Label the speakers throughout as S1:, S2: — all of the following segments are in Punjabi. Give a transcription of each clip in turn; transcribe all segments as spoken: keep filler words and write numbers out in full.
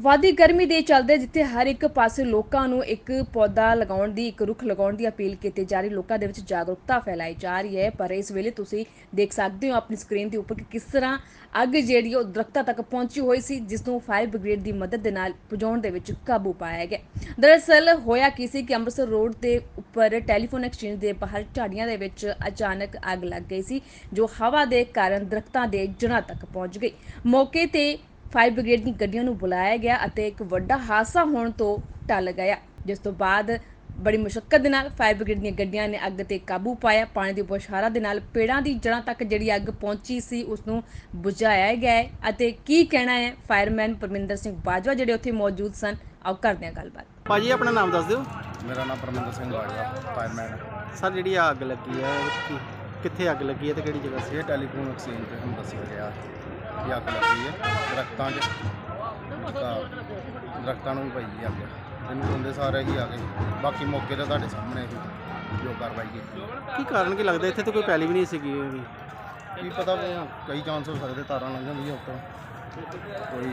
S1: ਵਾਦੀ ਗਰਮੀ ਦੇ ਚੱਲਦੇ ਜਿੱਥੇ ਹਰ ਇੱਕ ਪਾਸੇ ਲੋਕਾਂ ਨੂੰ ਇੱਕ ਪੌਦਾ ਲਗਾਉਣ ਦੀ ਇੱਕ ਰੁੱਖ ਲਗਾਉਣ ਦੀ ਅਪੀਲ ਕੀਤੀ ਜਾ ਰਹੀ, ਲੋਕਾਂ ਦੇ ਵਿੱਚ ਜਾਗਰੂਕਤਾ ਫੈਲਾਈ ਜਾ ਰਹੀ ਹੈ। ਪਰ ਇਸ ਵੇਲੇ ਤੁਸੀਂ ਦੇਖ ਸਕਦੇ ਹੋ ਆਪਣੀ ਸਕਰੀਨ ਦੇ ਉੱਪਰ ਕਿ ਕਿਸ ਤਰ੍ਹਾਂ ਅੱਗ ਜਿਹੜੀ ਉਹ ਦਰਖਤਾਂ ਤੱਕ ਪਹੁੰਚੀ ਹੋਈ ਸੀ, ਜਿਸ ਨੂੰ ਫਾਇਰ ਬ੍ਰਿਗੇਡ ਦੀ ਮਦਦ ਦੇ ਨਾਲ ਬੁਝਾਉਣ ਦੇ ਵਿੱਚ ਕਾਬੂ ਪਾਇਆ ਗਿਆ। ਦਰਅਸਲ ਹੋਇਆ ਕੀ ਸੀ ਕਿ ਅੰਮ੍ਰਿਤਸਰ ਰੋਡ ਦੇ ਉੱਪਰ ਟੈਲੀਫੋਨ ਐਕਸਚੇਂਜ ਦੇ ਬਾਹਰ ਝਾੜੀਆਂ ਦੇ ਵਿੱਚ ਅਚਾਨਕ ਅੱਗ ਲੱਗ ਗਈ ਸੀ, ਜੋ ਹਵਾ ਦੇ ਕਾਰਨ ਦਰਖਤਾਂ ਦੇ ਜੜ੍ਹਾਂ ਤੱਕ ਪਹੁੰਚ ਗਈ। ਮੌਕੇ ਤੇ ਫਾਇਰ ਬ੍ਰਿਗੇਡ ਦੀਆਂ ਗੱਡੀਆਂ ਨੂੰ ਬੁਲਾਇਆ ਗਿਆ ਅਤੇ ਇੱਕ ਵੱਡਾ ਹਾਦਸਾ ਹੋਣ ਤੋਂ ਟਲ ਗਿਆ, ਜਿਸ ਤੋਂ ਬਾਅਦ ਬੜੀ ਮੁਸ਼ੱਕਤ ਦੇ ਨਾਲ ਫਾਇਰ ਬ੍ਰਿਗੇਡ ਦੀਆਂ ਗੱਡੀਆਂ ਨੇ ਅੱਗ ਤੇ ਕਾਬੂ ਪਾਇਆ। ਪਾਣੀ ਦੀ ਬੁਛਾਰਾਂ ਦੇ ਨਾਲ ਪੇੜਾਂ ਦੀ ਜੜ੍ਹਾਂ ਤੱਕ ਜਿਹੜੀ ਅੱਗ ਪਹੁੰਚੀ ਸੀ ਉਸ ਨੂੰ ਬੁਝਾਇਆ ਗਿਆ ਹੈ। ਅਤੇ ਕੀ ਕਹਿਣਾ ਹੈ ਫਾਇਰਮੈਨ ਪਰਮਿੰਦਰ ਸਿੰਘ ਬਾਜਵਾ ਜਿਹੜੇ ਉੱਥੇ ਮੌਜੂਦ ਸਨ, ਆਓ ਕਰਦੇ ਹਾਂ ਗੱਲਬਾਤ।
S2: ਭਾਜੀ ਆਪਣਾ ਨਾਮ ਦੱਸ ਦਿਓ।
S3: ਮੇਰਾ ਨਾਮ ਪਰਮਿੰਦਰ ਸਿੰਘ ਬਾਜਵਾ, ਫਾਇਰਮੈਨ।
S2: ਸਰ ਜਿਹੜੀ ਆ ਅੱਗ ਲੱਗੀ ਹੈ ਕਿ- ਕਿੱਥੇ ਅੱਗ ਲੱਗੀ ਹੈ ਤੇ ਕਿਹੜੀ ਜਗ੍ਹਾ ਸੀ?
S3: ਇਹ ਟੈਲੀਫੋਨ ਐਕਸਚੇਂਜ ਤੇ ਸਾਨੂੰ ਦੱਸਿਆ ਗਿਆ ਕਿ ਅੱਗ ਲੱਗੀ ਹੈ ਦਰਖਤਾਂ 'ਚ, ਤਾਂ ਦਰਖਤਾਂ ਨੂੰ ਵੀ ਪਈ ਹੈ ਅੱਗ। ਇਹਨੂੰ ਬੰਦੇ ਸਾਰੇ ਹੀ ਆ ਗਏ, ਬਾਕੀ ਮੌਕੇ ਤੇ ਤੁਹਾਡੇ ਸਾਹਮਣੇ ਹੀ ਜੋ ਕਾਰਵਾਈ ਕੀਤੀ।
S2: ਕੀ ਕਾਰਨ ਕੀ ਲੱਗਦਾ? ਇੱਥੇ ਤਾਂ ਕੋਈ ਪਹਿਲੀ ਵੀ ਨਹੀਂ ਸੀਗੀ ਵੀ।
S3: ਕੀ ਪਤਾ ਵੀ ਕਈ ਚਾਂਸ ਹੋ ਸਕਦੇ, ਤਾਰਾਂ ਲੰਘ ਜਾਂਦੀਆਂ ਉੱਪਰ, ਕੋਈ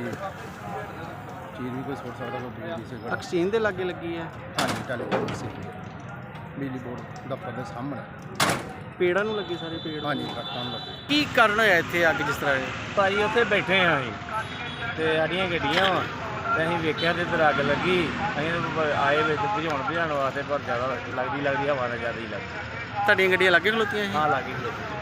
S3: ਚੀਜ਼ ਵੀ ਕੋਈ ਸੁੱਟ ਸਕਦਾ, ਕੋਈ ਬਿਜਲੀ ਸੇ ਗੜ।
S2: ਐਕਸਚੇਂਜ ਦੇ ਲਾਗੇ ਲੱਗੀ ਹੈ।
S3: ਹਾਂਜੀ, ਟੈਲੀਫੋਨ ਐਕਸਚੇਂਜ ਬਿਜਲੀ ਬੋਰਡ ਦਫ਼ਤਰ ਦੇ ਸਾਹਮਣੇ।
S2: ਪੇੜਾਂ ਨੂੰ ਲੱਗੇ ਸਾਰੇ ਪੇੜ?
S3: ਹਾਂਜੀ, ਦਰਖਤਾਂ ਨੂੰ ਲੱਗੇ।
S2: ਕੀ ਕਾਰਨ ਹੋਇਆ ਇੱਥੇ ਅੱਗ ਜਿਸ ਤਰ੍ਹਾਂ ਇਹ?
S4: ਭਾਜੀ ਉੱਥੇ ਬੈਠੇ ਹਾਂ ਅਸੀਂ ਤੇ ਸਾਡੀਆਂ ਗੱਡੀਆਂ ਵਾ ਤੇ ਅਸੀਂ ਵੇਖਿਆ ਤੇ ਇੱਧਰ ਅੱਗ ਲੱਗੀ। ਅਸੀਂ ਤਾਂ ਆਏ ਵਿੱਚ ਬੁਝਾਉਣ ਬੁਝਾਉਣ ਵਾਸਤੇ, ਪਰ ਜ਼ਿਆਦਾ ਲੱਗਦੀ ਲੱਗਦੀ ਹਵਾ ਨਾਲ ਜ਼ਿਆਦਾ ਹੀ ਲੱਗਦੀ।
S2: ਤੁਹਾਡੀਆਂ ਗੱਡੀਆਂ ਲਾਗੇ ਖਲੋਤੀਆਂ ਸੀ?
S4: ਹਾਂ, ਲੱਗੀ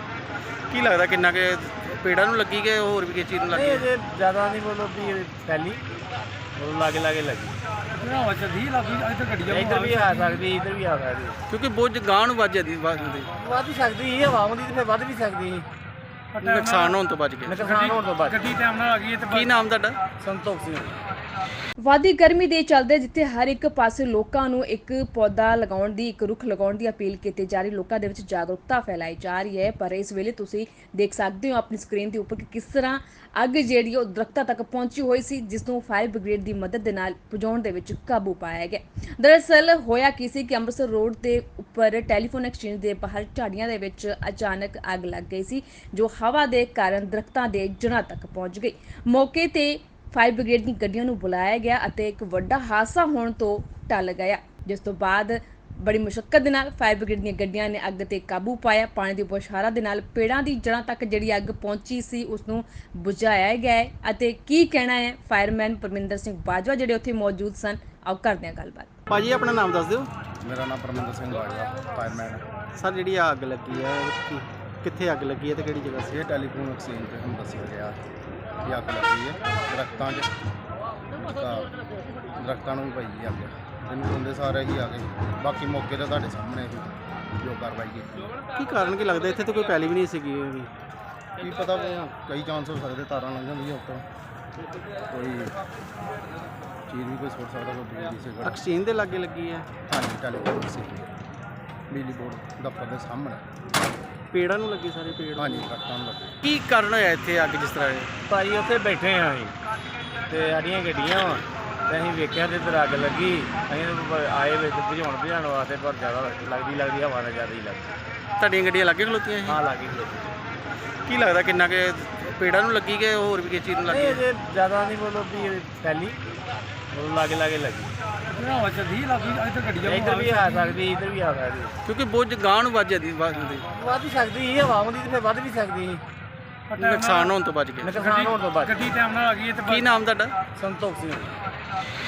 S2: ਕੀ ਲੱਗਦਾ ਕਿੰਨਾ ਕਿ ਪੇੜਾਂ ਨੂੰ ਲੱਗੀ ਕਿ ਹੋਰ ਵੀ ਕਿਸੇ ਚੀਜ਼ ਨੂੰ ਲੱਗੀ?
S4: ਇਹ ਜੇ ਜ਼ਿਆਦਾ ਨਹੀਂ ਬੋਲੋ ਵੀ ਇਹ ਪਹਿਲੀ ਉਹ ਲਾਗੇ ਲਾਗੇ ਲੱਗੀ।
S3: ਹਵਾ ਚੱਲਦੀ ਲੱਗੀ, ਇੱਥੇ ਗੱਡੀਆਂ
S4: ਇੱਧਰ ਵੀ ਆ ਸਕਦੀ, ਇੱਧਰ ਵੀ ਆ ਸਕਦੀ।
S2: ਕਿਉਂਕਿ ਬੁੱਝ ਗਾਂ ਨੂੰ ਵੱਜ ਜਾਂਦੀ ਵੱਜਦੀ,
S4: ਵੱਧ ਸਕਦੀ ਸੀ, ਹਵਾ ਆਉਂਦੀ ਤੇ ਫਿਰ ਵੱਧ ਵੀ ਸਕਦੀ ਸੀ।
S2: ਨੁਕਸਾਨ ਹੋਣ ਤੋਂ ਬਚ ਗਿਆ।
S4: ਨੁਕਸਾਨ ਹੋਣ ਤੋਂ ਬਾਅਦ
S3: ਗੱਡੀ ਟਾਈਮ ਨਾਲ ਆ ਗਈ ਤੇ
S2: ਕੀ ਨਾਮ ਤੁਹਾਡਾ?
S4: ਸੰਤੋਖ ਸਿੰਘ।
S1: ਵਾਦੀ ਗਰਮੀ ਦੇ ਚੱਲਦੇ ਜਿੱਥੇ ਹਰ ਇੱਕ ਪਾਸੇ ਲੋਕਾਂ ਨੂੰ ਇੱਕ ਪੌਦਾ ਲਗਾਉਣ ਦੀ ਇੱਕ ਰੁੱਖ ਲਗਾਉਣ ਦੀ ਅਪੀਲ ਕੀਤੀ ਜਾ ਰਹੀ, ਲੋਕਾਂ ਦੇ ਵਿੱਚ ਜਾਗਰੂਕਤਾ ਫੈਲਾਈ ਜਾ ਰਹੀ ਹੈ। ਪਰ ਇਸ ਵੇਲੇ ਤੁਸੀਂ ਦੇਖ ਸਕਦੇ ਹੋ ਆਪਣੀ ਸਕਰੀਨ ਦੇ ਉੱਪਰ ਕਿ ਕਿਸ ਤਰ੍ਹਾਂ ਅੱਗ ਜਿਹੜੀ ਉਹ ਦਰਖਤਾਂ ਤੱਕ ਪਹੁੰਚੀ ਹੋਈ ਸੀ, ਜਿਸ ਨੂੰ ਫਾਇਰ ਬ੍ਰਿਗੇਡ ਦੀ ਮਦਦ ਦੇ ਨਾਲ ਬੁਝਾਉਣ ਦੇ ਵਿੱਚ ਕਾਬੂ ਪਾਇਆ ਗਿਆ। ਦਰਅਸਲ ਹੋਇਆ ਕੀ ਸੀ ਕਿ ਅੰਮ੍ਰਿਤਸਰ ਰੋਡ ਦੇ ਉੱਪਰ ਟੈਲੀਫੋਨ ਐਕਸਚੇਂਜ ਦੇ ਬਾਹਰ ਝਾੜੀਆਂ ਦੇ ਵਿੱਚ ਅਚਾਨਕ ਅੱਗ ਲੱਗ ਗਈ ਸੀ, ਜੋ ਹਵਾ ਦੇ ਕਾਰਨ ਦਰਖਤਾਂ ਦੇ ਜੜ੍ਹਾਂ ਤੱਕ ਪਹੁੰਚ ਗਈ। ਮੌਕੇ ਤੇ ਫਾਇਰ ਬ੍ਰਿਗੇਡ ਦੀਆਂ ਗੱਡੀਆਂ ਨੂੰ ਬੁਲਾਇਆ ਗਿਆ ਅਤੇ ਇੱਕ ਵੱਡਾ ਹਾਦਸਾ ਹੋਣ ਤੋਂ ਟਲ ਗਿਆ, ਜਿਸ ਤੋਂ ਬਾਅਦ ਬੜੀ ਮੁਸ਼ੱਕਤ ਦੇ ਨਾਲ ਫਾਇਰ ਬ੍ਰਿਗੇਡ ਦੀਆਂ ਗੱਡੀਆਂ ਨੇ ਅੱਗ ਤੇ ਕਾਬੂ ਪਾਇਆ। ਪਾਣੀ ਦੀ ਬੁਛਾਰਾਂ ਦੇ ਨਾਲ ਪੇੜਾਂ ਦੀ ਜੜ੍ਹਾਂ ਤੱਕ ਜਿਹੜੀ ਅੱਗ ਪਹੁੰਚੀ ਸੀ ਉਸ ਨੂੰ ਬੁਝਾਇਆ ਗਿਆ ਹੈ। ਅਤੇ ਕੀ ਕਹਿਣਾ ਹੈ ਫਾਇਰਮੈਨ ਪਰਮਿੰਦਰ ਸਿੰਘ ਬਾਜਵਾ ਜਿਹੜੇ ਉੱਥੇ ਮੌਜੂਦ ਸਨ, ਆਓ ਕਰਦੇ ਹਾਂ ਗੱਲਬਾਤ।
S2: ਭਾਜੀ ਆਪਣਾ ਨਾਮ ਦੱਸ ਦਿਓ।
S3: ਮੇਰਾ ਨਾਮ ਪਰਮਿੰਦਰ ਸਿੰਘ ਬਾਜਵਾ, ਫਾਇਰਮੈਨ।
S2: ਸਰ ਜਿਹੜੀ ਆ ਅੱਗ ਲੱਗੀ ਹੈ ਕਿ- ਕਿੱਥੇ ਅੱਗ ਲੱਗੀ ਹੈ ਤੇ ਕਿਹੜੀ ਜਗ੍ਹਾ ਸੀ?
S3: ਇਹ ਟੈਲੀਫੋਨ ਐਕਸਚੇਂਜ ਤੇ ਸਾਨੂੰ ਦੱਸਿਆ ਗਿਆ ਕਿ ਅੱਗ ਲੱਗੀ ਹੈ ਦਰਖਤਾਂ 'ਚ, ਤਾਂ ਦਰਖਤਾਂ ਨੂੰ ਵੀ ਪਈ ਹੈ ਅੱਗ। ਇਹਨੂੰ ਬੰਦੇ ਸਾਰੇ ਹੀ ਆ ਗਏ, ਬਾਕੀ ਮੌਕੇ ਤੇ ਤੁਹਾਡੇ ਸਾਹਮਣੇ ਹੀ ਜੋ ਕਾਰਵਾਈ ਕੀਤੀ।
S2: ਕੀ ਕਾਰਨ ਕੀ ਲੱਗਦਾ? ਇੱਥੇ ਤਾਂ ਕੋਈ ਪਹਿਲੀ ਵੀ ਨਹੀਂ ਸੀਗੀ ਵੀ।
S3: ਕੀ ਪਤਾ ਵੀ ਕਈ ਚਾਂਸ ਹੋ ਸਕਦੇ, ਤਾਰਾਂ ਲੰਘ ਜਾਂਦੀਆਂ ਉੱਪਰ, ਕੋਈ ਚੀਜ਼ ਵੀ ਕੋਈ ਸੁੱਟ ਸਕਦਾ, ਕੋਈ ਬਿਜਲੀ ਸੇ ਗੜ।
S2: ਐਕਸਚੇਂਜ ਦੇ ਲਾਗੇ ਲੱਗੀ ਹੈ।
S3: ਹਾਂਜੀ, ਟੈਲੀਫੋਨ ਐਕਸਚੇਂਜ ਬਿਜਲੀ ਬੋਰਡ ਦਫ਼ਤਰ ਦੇ ਸਾਹਮਣੇ।
S2: ਪੇੜਾਂ ਨੂੰ ਲੱਗੇ ਸਾਰੇ ਪੇੜ?
S3: ਹਾਂਜੀ, ਦਰਖਤਾਂ ਨੂੰ ਲੱਗੇ।
S2: ਕੀ ਕਾਰਨ ਹੋਇਆ ਇੱਥੇ ਅੱਗ ਜਿਸ ਤਰ੍ਹਾਂ ਇਹ?
S4: ਭਾਜੀ ਉੱਥੇ ਬੈਠੇ ਹਾਂ ਅਸੀਂ ਤੇ ਸਾਡੀਆਂ ਗੱਡੀਆਂ ਵਾ ਤੇ ਅਸੀਂ ਵੇਖਿਆ ਤੇ ਇੱਧਰ ਅੱਗ ਲੱਗੀ। ਅਸੀਂ ਤਾਂ ਆਏ ਵਿੱਚ ਬੁਝਾਉਣ ਬੁਝਾਉਣ ਵਾਸਤੇ, ਪਰ ਜ਼ਿਆਦਾ ਲੱਗਦੀ ਲੱਗਦੀ ਹਵਾ ਨਾਲ ਜ਼ਿਆਦਾ ਹੀ ਲੱਗਦੀ।
S2: ਤੁਹਾਡੀਆਂ ਗੱਡੀਆਂ ਲਾਗੇ ਖਲੋਤੀਆਂ ਸੀ?
S4: ਹਾਂ, ਲੱਗੀ
S2: ਕੀ ਲੱਗਦਾ ਕਿੰਨਾ ਕਿ ਪੇੜਾਂ ਨੂੰ ਲੱਗੀ ਕਿ ਹੋਰ ਵੀ ਕਿਸੇ ਚੀਜ਼ ਨੂੰ
S4: ਇਹ
S2: ਲੱਗੀ?
S4: ਜੇ ਜ਼ਿਆਦਾ ਨਹੀਂ ਬੋਲੋ ਵੀ ਇਹ ਪਹਿਲੀ ਉਹ ਲਾਗੇ ਲਾਗੇ ਲੱਗੀ।
S3: ਹਵਾ ਚੱਲਦੀ ਲੱਗੀ, ਇੱਥੇ ਗੱਡੀਆਂ
S4: ਇੱਧਰ ਵੀ ਆ ਸਕਦੀ, ਇੱਧਰ ਵੀ ਆ ਸਕਦੀ।
S2: ਕਿਉਂਕਿ ਬੁੱਝ ਗਾਂ ਨੂੰ ਵੱਜ ਜਾਂਦੀ ਵੱਜਦੀ,
S4: ਵੱਧ ਸਕਦੀ ਸੀ, ਹਵਾ ਆਉਂਦੀ ਤੇ ਫਿਰ ਵੱਧ ਵੀ ਸਕਦੀ ਸੀ।
S2: ਨੁਕਸਾਨ ਹੋਣ ਤੋਂ ਬਚ ਗਿਆ।
S4: ਨੁਕਸਾਨ ਹੋਣ ਤੋਂ ਬਾਅਦ
S3: ਗੱਡੀ ਟਾਈਮ ਨਾਲ ਆ ਗਈ ਤੇ
S2: ਕੀ ਨਾਮ ਤੁਹਾਡਾ?
S4: ਸੰਤੋਖ ਸਿੰਘ।